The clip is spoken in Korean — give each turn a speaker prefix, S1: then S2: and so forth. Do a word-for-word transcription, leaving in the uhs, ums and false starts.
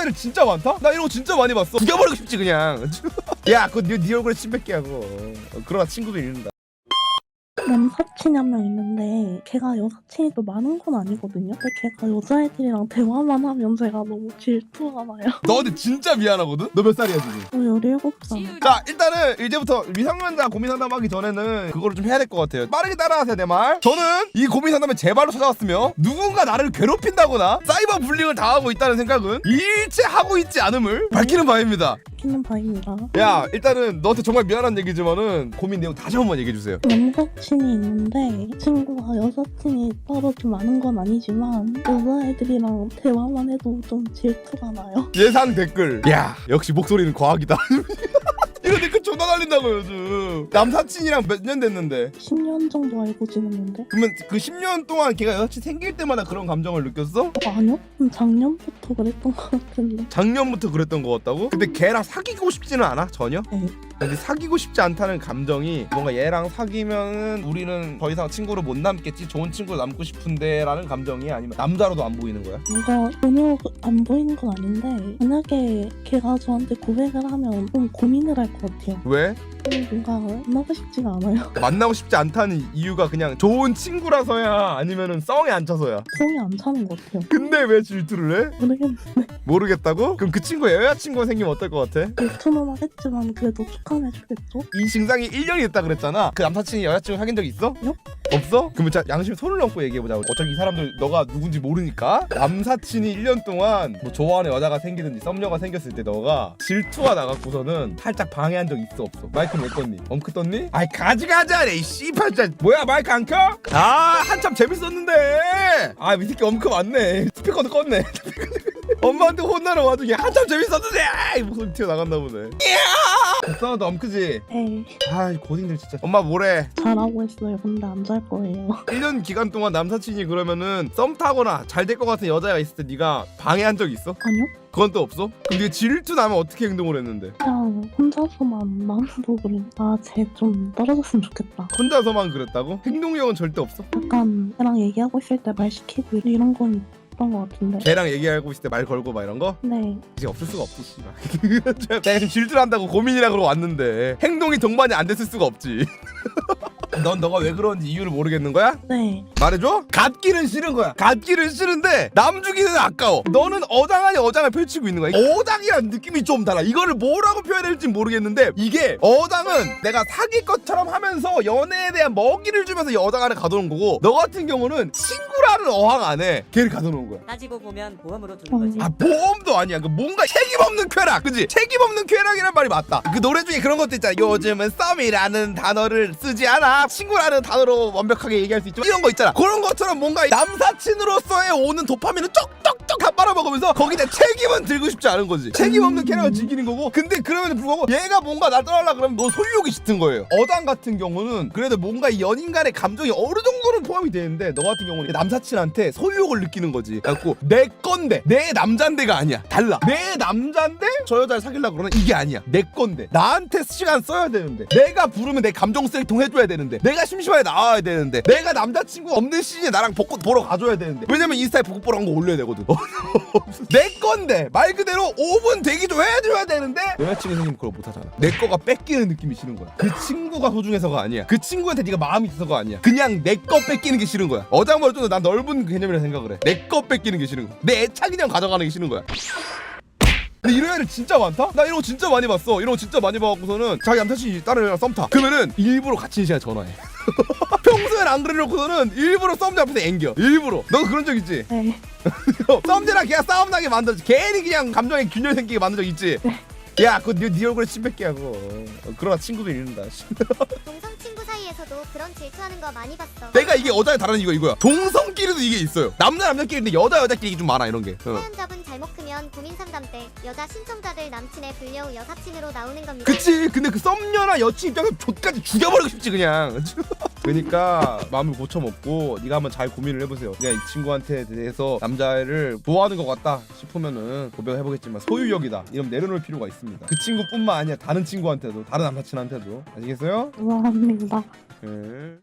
S1: 애들 진짜 많다? 나 이런 거 진짜 많이 봤어. 죽여버리고 싶지 그냥. 야 그거 네, 네 얼굴에 침 뱉게 하고. 어, 그러다 친구도 잃는다.
S2: 남사친이 한 명 있는데 걔가 여사친이 또 많은 건 아니거든요. 근데 걔가 여자애들이랑 대화만 하면 제가 너무 질투가 나요.
S1: 너한테 진짜 미안하거든? 너 몇 살이야 지금?
S2: 저 열일곱 살.
S1: 자 일단은 이제부터 미성년자 고민 상담하기 전에는 그거를 좀 해야 될 것 같아요. 빠르게 따라하세요 내 말. 저는 이 고민 상담에 제 발로 찾아왔으며 누군가 나를 괴롭힌다거나 사이버 불링을 당하고 있다는 생각은 일체 하고 있지 않음을 밝히는 바입니다.
S2: 키는 바입니다.
S1: 야 일단은 너한테 정말 미안한 얘기지만은 고민 내용 다시 한번 얘기해주세요.
S2: 남사친이 있는데 이 친구가 여사친이 따로 좀 많은 건 아니지만 여자애들이랑 대화만 해도 좀 질투가 나요.
S1: 예상 댓글. 야 역시 목소리는 과학이다. 이거 댓글 존나 날린다고 요즘. 남사친이랑 몇 년 됐는데?
S2: 십 년 정도 알고 지냈는데?
S1: 그러면 그 십 년 동안 걔가 여자친 생길 때마다 그런 감정을 느꼈어?
S2: 어, 아니요? 음, 작년부터 그랬던 것 같은데.
S1: 작년부터 그랬던 것 같다고? 근데 걔랑 사귀고 싶지는 않아? 전혀?
S2: 네.
S1: 근데 사귀고 싶지 않다는 감정이 뭔가 얘랑 사귀면 우리는 더 이상 친구로 못 남겠지, 좋은 친구로 남고 싶은데 라는 감정이, 아니면 남자로도 안 보이는 거야?
S2: 뭔가 전혀 안 보이는 건 아닌데 만약에 걔가 저한테 고백을 하면 좀 고민을 할 것 같아요.
S1: 왜?
S2: 뭔가 만나고 싶지가 않아요.
S1: 만나고 싶지 않다는 이유가 그냥 좋은 친구라서야 아니면은 썽에 안 차서야?
S2: 성이 안 차는 것 같아요.
S1: 근데 왜 질투를 해?
S2: 모르겠는데
S1: 모르겠다고? 그럼 그 친구의 여자친구가 생기면 어떨 것 같아?
S2: 질투는 하겠지만 그래도 축하해주겠죠?
S1: 이 증상이 일 년이 됐다 그랬잖아. 그 남사친이 여자친구 사귄 적 있어?
S2: 요?
S1: 없어? 그러면 자 양심에 손을 얹고 얘기해보자. 어차피 이 사람들 너가 누군지 모르니까. 남사친이 일 년 동안 뭐 좋아하는 여자가 생기든지 썸녀가 생겼을 때 너가 질투가 나갖고서는 살짝 방해한 적 있어 없어? 마이크 못 껐니? 엄크 떴니? 아이 가지가지하네 이 씨발 진짜. 뭐야 마이크 안 켜? 아 한참 재밌었는데. 아 이 새끼 엄크 맞네. 스피커도 껐네. 엄마한테 혼나러 와중에 한참 재밌었는데 이 목소리 튀어나갔나 보네. 불쌍하다 엄크지?
S2: 에이
S1: 아이 고딩들 진짜. 엄마 뭐래?
S2: 잘하고 있어요. 근데 안 잘 거예요.
S1: 일 년 기간 동안 남사친이 그러면은 썸 타거나 잘 될 것 같은 여자가 있을 때 네가 방해한 적 있어?
S2: 아니요?
S1: 그건 또 없어? 그럼 네가 질투 나면 어떻게 행동을 했는데?
S2: 그냥 혼자서만 마음도 그래. 아쟤 좀 떨어졌으면 좋겠다.
S1: 혼자서만 그랬다고? 행동력은 절대 없어?
S2: 약간 걔랑 얘기하고 있을 때 말 시키고 이런 건 있던 것 같은데.
S1: 걔랑 얘기하고 있을 때 말 걸고 막 이런 거?
S2: 네.
S1: 이제 없을 수가 없지 씨발. 내가 지금 질투를 한다고 고민이라 그러고 왔는데 행동이 동반이 안 됐을 수가 없지. 넌 너가 왜 그런지 이유를 모르겠는 거야?
S2: 네.
S1: 말해줘? 갓기는 싫은 거야. 갓기는 싫은데 남 주기는 아까워. 너는 어장 아니 어장을 펼치고 있는 거야. 어장이란 느낌이 좀 달라. 이거를 뭐라고 표현해야 될지 모르겠는데, 이게 어장은 내가 사귈 것처럼 하면서 연애에 대한 먹이를 주면서 여장 안에 가둬놓은 거고, 너 같은 경우는 친구라는 어항 안에 걔를 가둬놓은 거야.
S3: 따지고 보면 보험으로 두는 거지.
S1: 아 보험도 아니야. 그 뭔가 책임 없는 쾌락, 그지? 책임 없는 쾌락이란 말이 맞다. 그 노래 중에 그런 것도 있잖아. 요즘은 썸이라는 단어를 쓰지 않아. 친구라는 단어로 완벽하게 얘기할 수 있죠. 이런 거 있잖아. 그런 것처럼 뭔가 남사친으로서의 오는 도파민을 쪽쪽쪽 다 빨아먹으면서 거기다 책임은 들고 싶지 않은 거지. 책임 없는 쾌락을 즐기는 거고. 근데 그럼에도 불구하고 얘가 뭔가 나 떠나려 그러면 너 소유욕이 짙은 거예요. 어장 같은 경우는 그래도 뭔가 이 연인 간의 감정이 어느 정도는 포함이 되는데, 너 같은 경우는 남사친한테 소유욕을 느끼는 거지. 그래갖고 내 건데 내 남잔데가 아니야. 달라. 내 남잔데 저 여자를 사귀려고 그러면 이게 아니야. 내 건데 나한테 시간 써야 되는데, 내가 부르면 내 감정 쓰레기통 해줘야 되는데, 내가 심심하게 나와야 되는데, 내가 남자친구 없는 시즌에 나랑 벚꽃 보러 가줘야 되는데, 왜냐면 인스타에 벚꽃 보러 간 거 올려야 되거든. 내 건데 말 그대로 오 분 대기 좀 해줘야 되는데 여자친구 생기면 그걸 못하잖아. 내 거가 뺏기는 느낌이 싫은 거야. 그 친구가 소중해서가 아니야. 그 친구한테 네가 마음이 있어서가 아니야. 그냥 내 거 뺏기는 게 싫은 거야. 어장말로 좀 난 넓은 개념이라 생각을 해. 내 거 뺏기는 게 싫은 거야. 내 애착 그냥 가져가는 게 싫은 거야. 근데 이런 애들 진짜 많다? 나 이런 거 진짜 많이 봤어. 이런 거 진짜 많이 봐갖고서는 자기 남자친이 다른 애랑 썸 타. 그러면은 일부러 같이 시간에 전화해. 평소엔 안 그래놓고서는 일부러 썸녀 앞에서 앵겨. 일부러. 너 그런 적 있지?
S2: 네.
S1: 썸녀랑 걔가 싸움 나게 만들지. 괜히 그냥 감정에 균열 생기게 만든 적 있지? 야 그거 네, 네 얼굴에 침 뱉게 하고. 어, 그러다 친구도 잃는다.
S4: 동성 친구 사이에서도 그런 질투하는 거 많이 봤어.
S1: 내가 이게 여자에 다른 이유가 이거야. 동성끼리도 이게 있어요. 남자 남자끼리인데 여자 여자끼리 이게 좀 많아 이런 게. 어.
S4: 사연자분 잘못 크면 고민 상담 때 여자 신청자들 남친의 불려 후 여사친으로 나오는 겁니다.
S1: 그치. 근데 그 썸녀나 여친 입장에서 족까지 죽여버리고 싶지 그냥. 그러니까 마음을 고쳐먹고 네가 한번 잘 고민을 해보세요. 그냥 이 친구한테 대해서 남자애를 좋아하는 것 같다 싶으면은 고백해보겠지만 소유욕이다 이러면 내려놓을 필요가 있습니다. 그 친구뿐만 아니라 다른 친구한테도, 다른 남사친한테도. 아시겠어요?
S2: 감사합니다.
S1: 네.